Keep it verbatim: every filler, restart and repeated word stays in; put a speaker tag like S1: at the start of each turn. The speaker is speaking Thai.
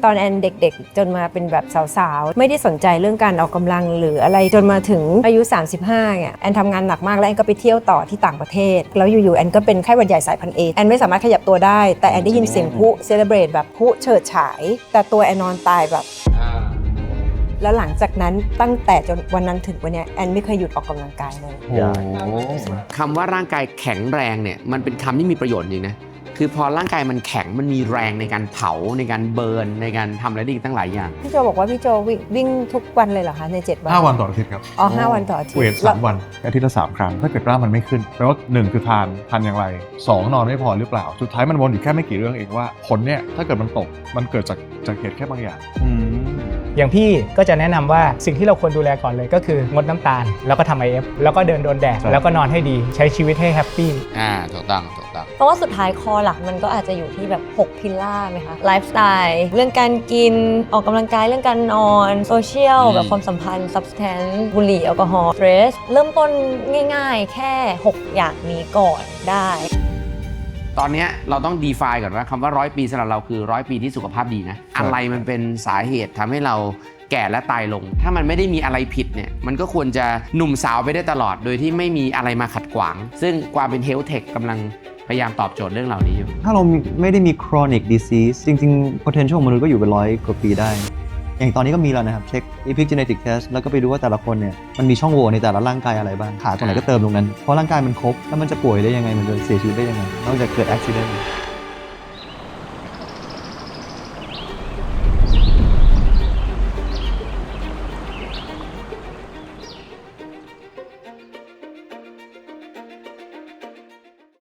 S1: ตอนแอนเด็กๆจนมาเป็นแบบสาวๆไม่ได้สนใจเรื่องการออกกำลังหรืออะไรจนมาถึงอายุสามสิบห้าเนี่ยแอนทำงานหนักมากแล้วแอนก็ไปเที่ยวต่อที่ต่างประเทศแล้วอยู่ๆแอนก็เป็นไข้หวัดใหญ่สายพันธุ์เอแอนไม่สามารถขยับตัวได้แต่แอนได้ยินเสียงพลุเซเลบรตแบบพลุเฉิดฉายแต่ตัวแอนนอนตายแบบแล้วหลังจากนั้นตั้งแต่จนวันนั้นถึงวันนี้แอนไม่เคยหยุดออกกำลังกายเลย
S2: คำว่าร่างกายแข็งแรงเนี่ยมันเป็นคำที่มีประโยชน์จริงนะคือพอร่างกายมันแข็งมันมีแรงในการเผาในการเบิร์นในการทำอะไรได้อีกตั้งหลายอย่าง
S1: พี่โจบอกว่าพี่โจวิ่งวิ่งทุกวันเลยเหรอคะในเจ็ดวัน
S3: ห้าวันต่ออาทิตย์ครับ
S1: อ๋อห้าวันต่ออาทิตย์
S3: เวทสามวันอาทิตย์ละสามครั้งถ้าเกิดร่างมันไม่ขึ้นแปลว่าหนึ่งคือทานทานอย่างไรสองนอนไม่พอหรือเปล่าสุดท้ายมันวนอยู่แค่ไม่กี่เรื่องเองว่าผลเนี่ยถ้าเกิดมันตกมันเกิดจากจากเหตุแค่บางอย่าง
S4: อย่างพี่ก็จะแนะนำว่าสิ่งที่เราควรดูแลก่อนเลยก็คืองดน้ำตาลแล้วก็ทำ ไอ เอฟ แล้วก็เดินโดนแดดแล้วก็นอนให้ดีใช้ชีวิตให้แฮปปี้
S2: อ่าถูกต้องถูกต้อง
S1: เพราะว่าสุดท้ายคอหลักมันก็อาจจะอยู่ที่แบบหกพิลล่าไหมคะไลฟ์สไตล์เรื่องการกินออกกำลังกายเรื่องการนอนโซเชียลแบบความสัมพันธ์ซับสแตนซ์บุหรี่แอลกอฮอล์สเตรสเริ่มต้นง่ายๆแค่หกอย่างนี้ก่อนได้
S2: ตอนนี้เราต้อง define ก่อนว่าคำว่าร้อยปีสำหรับเราคือร้อยปีที่สุขภาพดีนะอะไรมันเป็นสาเหตุทำให้เราแก่และตายลงถ้ามันไม่ได้มีอะไรผิดเนี่ยมันก็ควรจะหนุ่มสาวไปได้ตลอดโดยที่ไม่มีอะไรมาขัดขวางซึ่งความเป็น health tech กำลังพยายามตอบโจทย์เรื่องเหล่านี้อยู่
S5: ถ้าเราไม่ได้มี chronic disease จริงๆ potential ของมนุษย์ก็อยู่เป็นร้อยกว่าปีได้อย่างตอนนี้ก็มีแล้วนะครับเช็ค epigenetic test แล้วก็ไปดูว่าแต่ละคนเนี่ยมันมีช่องโหว่ในแต่ละร่างกายอะไรบ้างขาตรงไหนก็เติมตรงนั้นเพราะร่างกายมันครบแล้วมันจะป่วยได้ยังไงมันจะเสียชีวิตได้ยังไงนอกจากเกิด accident